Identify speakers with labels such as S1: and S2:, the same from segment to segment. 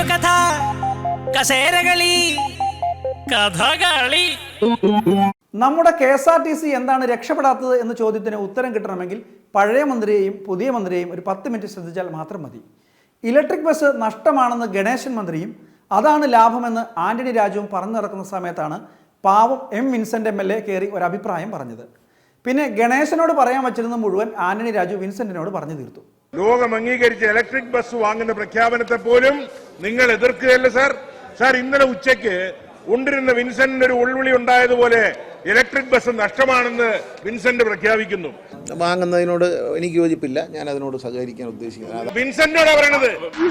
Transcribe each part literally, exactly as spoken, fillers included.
S1: കെട്ടുകഥ, കസേരകളി, കഥകളി.
S2: നമ്മുടെ K S R T C എന്താണ് രക്ഷപ്പെടാത്തത് എന്ന ചോദ്യത്തിന് ഉത്തരം കിട്ടണമെങ്കിൽ പഴയ മന്ത്രിയെയും പുതിയ മന്ത്രിയെയും ഒരു പത്ത് മിനിറ്റ് ശ്രദ്ധിച്ചാൽ മാത്രം മതി. ഇലക്ട്രിക് ബസ് നഷ്ടമാണെന്ന് ഗണേശൻ മന്ത്രിയും അതാണ് ലാഭമെന്ന് ആന്റണി രാജുവും പറഞ്ഞു നടക്കുന്ന സമയത്താണ് പാവം M Vincent M L A കയറി ഒരു അഭിപ്രായം പറഞ്ഞത്. പിന്നെ ഗണേശനോട് പറയാൻ വച്ചിരുന്ന മുഴുവൻ ആന്റണി രാജു വിൻസെന്റിനോട് പറഞ്ഞു തീർത്തു.
S3: ലോകം അംഗീകരിച്ച ഇലക്ട്രിക് ബസ് വാങ്ങുന്ന പ്രഖ്യാപനത്തെ പോലും നിങ്ങൾ എതിർക്കുകയല്ല സാർ. സാർ, ഇന്നലെ ഉച്ചയ്ക്ക് ഉണ്ടിരുന്ന വിൻസെന്റിന് ഒരു ഉൾവിളി ഉണ്ടായതുപോലെ ഇലക്ട്രിക് ബസ് നഷ്ടമാണെന്ന് വിൻസെന്റ് പ്രഖ്യാപിക്കുന്നു.
S4: വാങ്ങുന്നതിനോട് എനിക്ക് യോജിപ്പില്ല. ഞാൻ അതിനോട് സഹകരിക്കാൻ ഉദ്ദേശിക്കുന്നത്
S3: വിൻസെന്റോടാ പറയണത്.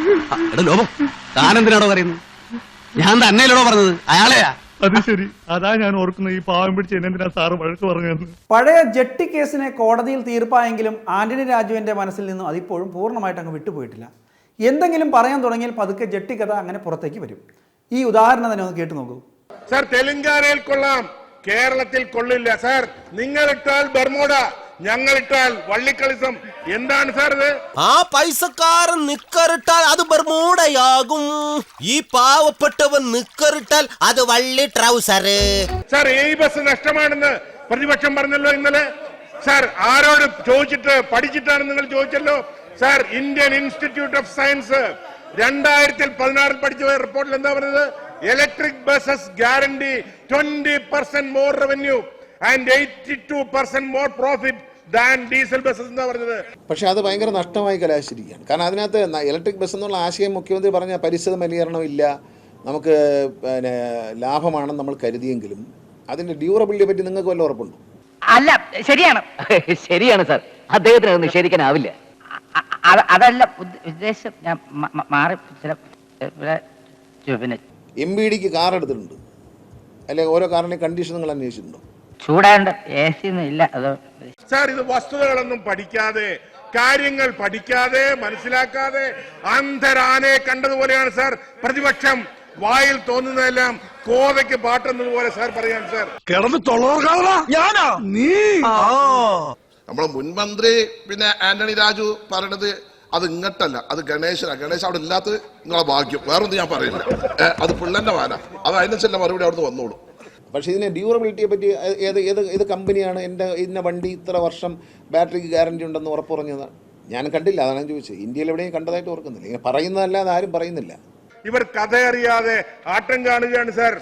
S5: താനെന്തിനാണോ പറയുന്നത്? ഞാൻ തന്നെയല്ലോ പറഞ്ഞത്, അയാളെയാ.
S6: അത് ശരി, അതാ ഞാൻ ഓർക്കുന്നത്. ഈ പാവം പിടിച്ച് എന്തിനാ സാറ് വഴക്ക് പറഞ്ഞു.
S2: പഴയ ജെട്ടി കേസിനെ കോടതിയിൽ തീർപ്പായെങ്കിലും ആന്റണി രാജുവിന്റെ മനസ്സിൽ നിന്നും അതിപ്പോഴും പൂർണ്ണമായിട്ട് അങ്ങ് വിട്ടുപോയിട്ടില്ല. എന്തെങ്കിലും പറയാൻ തുടങ്ങിയാൽ പതുക്കെ ജെട്ടി കഥ അങ്ങനെ പുറത്തേക്ക് വരും. ഈ ഉദാഹരണം തന്നെ ഒന്ന് കേട്ടു നോക്കൂ.
S3: സാർ, തെലങ്കാനയിൽ കൊള്ളാം, കേരളത്തിൽ കൊള്ളില്ല. സാർ, നിങ്ങൾ ഇട്ടാൽ ബർമോഡ, ഞങ്ങൾ ഇട്ടാൽ വള്ളിക്കളിസം. എന്താണ് സാർ ഇത്?
S7: ആ പൈസക്കാരൻ നിക്കറിട്ടാൽ അത് ബർമൂടയാകും, ഈ പാവപ്പെട്ടവൻ നിക്കറിട്ടാൽ അത് വള്ളി ട്രൗസർ.
S3: സാർ, ഈ ബസ് നഷ്ടമാണെന്ന് പ്രതിപക്ഷം പറഞ്ഞല്ലോ ഇന്നലെ. സാർ, ആരോട് ചോദിച്ചിട്ട് പഠിച്ചിട്ടാണ് നിങ്ങൾ ചോദിച്ചല്ലോ. Sir, Indian Institute of Science രണ്ടായിരത്തി പതിനാറിൽ പഠിച്ച റിപ്പോർട്ടിൽ എന്താ പറഞ്ഞത്? Electric buses guarantee twenty percent more revenue and eighty two percent more profit than diesel buses എന്നാ പറഞ്ഞത്.
S4: പക്ഷെ അത് ഭയങ്കര നഷ്ടമായി കലാശിച്ചിരിക്കുകയാണ്. കാരണം അതിനകത്ത് ഇലക്ട്രിക് ബസ് എന്നുള്ള ആശയം മുഖ്യമന്ത്രി പറഞ്ഞ പരിസ്ഥിതി മലിനീകരണം ഇല്ല, നമുക്ക് പിന്നെ ലാഭമാണെന്ന് നമ്മൾ കരുതിയെങ്കിലും അതിന്റെ ഡ്യൂറബിലിറ്റിയെ പറ്റി നിങ്ങൾക്ക് വല്ല ഉറപ്പുണ്ടോ?
S8: അല്ല, ശരിയാണ് ശരിയാണ് സാർ, അദ്ദേഹത്തിന് അത് നിഷേധിക്കാനാവില്ല. അതല്ല ഉദ്ദേശം, ഞാൻ മാറി പിന്നെ
S4: എം ബി ഡിക്ക് കാർ എടുത്തിട്ടുണ്ട്, അല്ലെങ്കിൽ ഓരോ കാറിന്റെ കണ്ടീഷൻ നിങ്ങൾ അന്വേഷിച്ചിട്ടുണ്ടോ?
S8: ചൂടാണ്ട് എ സി ഒന്നും ഇല്ല. അതോ
S3: സാർ, ഇത് വസ്തുതകളൊന്നും പഠിക്കാതെ, കാര്യങ്ങൾ പഠിക്കാതെ, മനസ്സിലാക്കാതെ അന്ധരാനെ കണ്ടതുപോലെയാണ് സാർ പ്രതിപക്ഷം. വായിൽ തോന്നുന്നതെല്ലാം കോതയ്ക്ക് പാട്ടുന്നതുപോലെ സാർ പറയാൻ സാർ.
S6: കിടന്ന് ഞാനാ നീ
S9: നമ്മളെ മുൻമന്ത്രി പിന്നെ ആന്റണി രാജു പറയണത് അത് ഇങ്ങട്ടല്ല, അത് ഗണേശനാ. ഗണേശ് അവിടെ ഇല്ലാത്തത് നിങ്ങളെ ഭാഗ്യം, വേറൊന്നും ഞാൻ പറയില്ല. അത് പിള്ളന്റെ വാന, അത് അതിനനുസരിച്ചുള്ള മറുപടി അവിടുന്ന് വന്നോളൂ.
S4: പക്ഷേ ഇതിനെ ഡ്യൂറബിലിറ്റിയെ പറ്റി ഏത് ഏത് ഏത് കമ്പനിയാണ് എൻ്റെ ഇന്ന വണ്ടി ഇത്ര വർഷം ബാറ്ററിക്ക് ഗ്യാരണ്ടി ഉണ്ടെന്ന് ഉറപ്പ് പറഞ്ഞതാണ്? ഞാൻ കണ്ടില്ല, അതാണ് ഞാൻ ചോദിച്ചത്. ഇന്ത്യയിൽ എവിടെയും കണ്ടതായിട്ട് ഓർക്കുന്നില്ല. ഇങ്ങനെ പറയുന്നതല്ലാതെ ആരും പറയുന്നില്ല.
S3: ഇവർ കഥ അറിയാതെ ആട്ടം കാണുകയാണ് സാർ.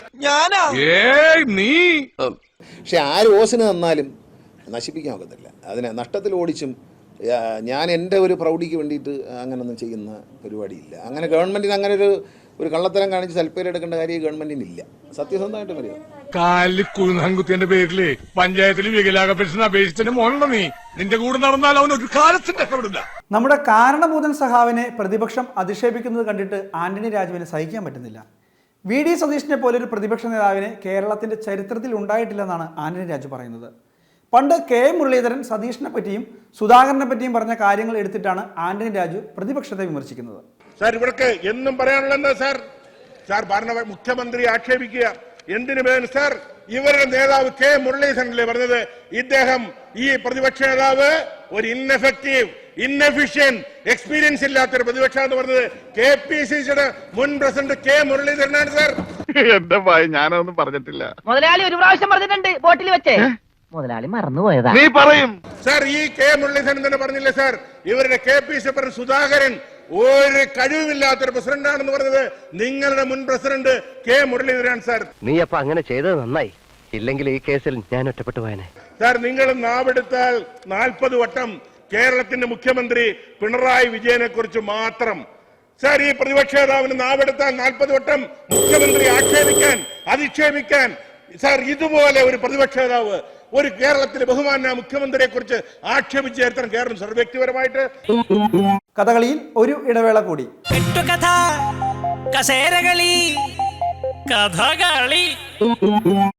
S6: നീ
S4: പക്ഷെ ആര് ഓസിന് തന്നാലും നശിപ്പിക്കാൻ ഒക്കത്തില്ല. അതിനെ നഷ്ടത്തിൽ ഓടിച്ചും ഞാൻ എൻ്റെ ഒരു പ്രൗഢിക്ക് വേണ്ടിയിട്ട് അങ്ങനൊന്നും ചെയ്യുന്ന പരിപാടിയില്ല. അങ്ങനെ ഗവൺമെൻറ്റിന് അങ്ങനെ ഒരു ഒരു കള്ളത്തരം കാണിച്ച് സൽപ്പേര് എടുക്കേണ്ട കാര്യം ഗവൺമെന്റിന് ഇല്ല. സത്യസന്ധമായിട്ട് പറയാം.
S6: കാലിക്കുത്തിന്റെ പേരില് പഞ്ചായത്തിൽ വികലാംഗ പെൻഷൻ അപേക്ഷിച്ചതിന്റെ മോനുണ്ടോ നീ? നിന്റെ കൂടെ നടന്നാൽ അവൻ ഒരു കാലത്തിന് രക്ഷപ്പെടില്ല.
S2: നമ്മുടെ കാരണഭൂതൻ സഖാവിനെ പ്രതിപക്ഷം അധിക്ഷേപിക്കുന്നത് കണ്ടിട്ട് ആന്റണി രാജുവിനെ സഹിക്കാൻ പറ്റുന്നില്ല. വി ഡി സതീഷിനെ പോലൊരു പ്രതിപക്ഷ നേതാവിനെ കേരളത്തിന്റെ ചരിത്രത്തിൽ ഉണ്ടായിട്ടില്ലെന്നാണ് ആന്റണി രാജു പറയുന്നത്. പണ്ട് കെ മുരളീധരൻ സതീഷിനെ പറ്റിയും സുധാകരനെ പറ്റിയും പറഞ്ഞ കാര്യങ്ങൾ എടുത്തിട്ടാണ് ആന്റണി രാജു പ്രതിപക്ഷത്തെ വിമർശിക്കുന്നത്.
S3: സാർ, ഇവിടേക്ക് എന്നും പറയാനുള്ളത് സാർ, സാർ ഭരണ മുഖ്യമന്ത്രി ആക്ഷേപിക്കുക എന്തിനു വേണം സാർ? ഇവരുടെ നേതാവ് കെ മുരളീധരനല്ലേ പറഞ്ഞത്, ഇദ്ദേഹം ഈ പ്രതിപക്ഷ നേതാവ് ഒരു ഇൻഎഫക്റ്റീവ്, ഇൻഎഫിഷ്യന്റ്, എക്സ്പീരിയൻസ് ഇല്ലാത്തൊരു പ്രതിപക്ഷ എന്ന് പറഞ്ഞത് കെ പി സി സിയുടെ മുൻ പ്രസിഡന്റ് കെ മുരളീധരനാണ് സാർ.
S6: എന്റെ ഭായി, ഞാനൊന്നും പറഞ്ഞിട്ടില്ല.
S8: മുതലാളി ഒരു പ്രാവശ്യം പറഞ്ഞിട്ടുണ്ട് ബോട്ടിൽ വെച്ചേ. മുതലാളി മറന്നുപോയതാ.
S6: നീ പറയും
S3: സാർ. ഈ കെ മുരളീധരൻ തന്നെ പറഞ്ഞില്ലേ സാർ, ഇവരുടെ K P C president Sudhakaran ഒരു കഴിവുമില്ലാത്തൊരു പ്രസിഡന്റാണെന്ന് പറഞ്ഞത് നിങ്ങളുടെ മുൻ പ്രസിഡന്റ് കെ മുരളീധരൻ സാർ.
S5: നീ അപ്പൊ അങ്ങനെ ചെയ്തത് നന്നായി, ഇല്ലെങ്കിൽ ഈ കേസിൽ ഞാൻ ഒറ്റപ്പെട്ടു പോയനെ.
S3: സാർ, നിങ്ങൾ നാവെടുത്താൽ നാൽപ്പത് വട്ടം കേരളത്തിന്റെ മുഖ്യമന്ത്രി പിണറായി വിജയനെ കുറിച്ച് മാത്രം. സാർ, ഈ പ്രതിപക്ഷ നേതാവിന് നാവെടുത്താൽ നാൽപ്പത് വട്ടം മുഖ്യമന്ത്രി ആക്ഷേപിക്കാൻ, അധിക്ഷേപിക്കാൻ. സാർ, ഇതുപോലെ ഒരു പ്രതിപക്ഷ നേതാവ് ഒരു കേരളത്തിലെ ബഹുമാന്യ മുഖ്യമന്ത്രിയെ കുറിച്ച് ആക്ഷേപിച്ച ചരിത്രം കേരളം സാർ വ്യക്തിപരമായിട്ട്.
S2: കഥകളിയിൽ ഒരു ഇടവേള കൂടി.
S1: കെട്ടുകഥ, കസേരകളി, കഥകളി.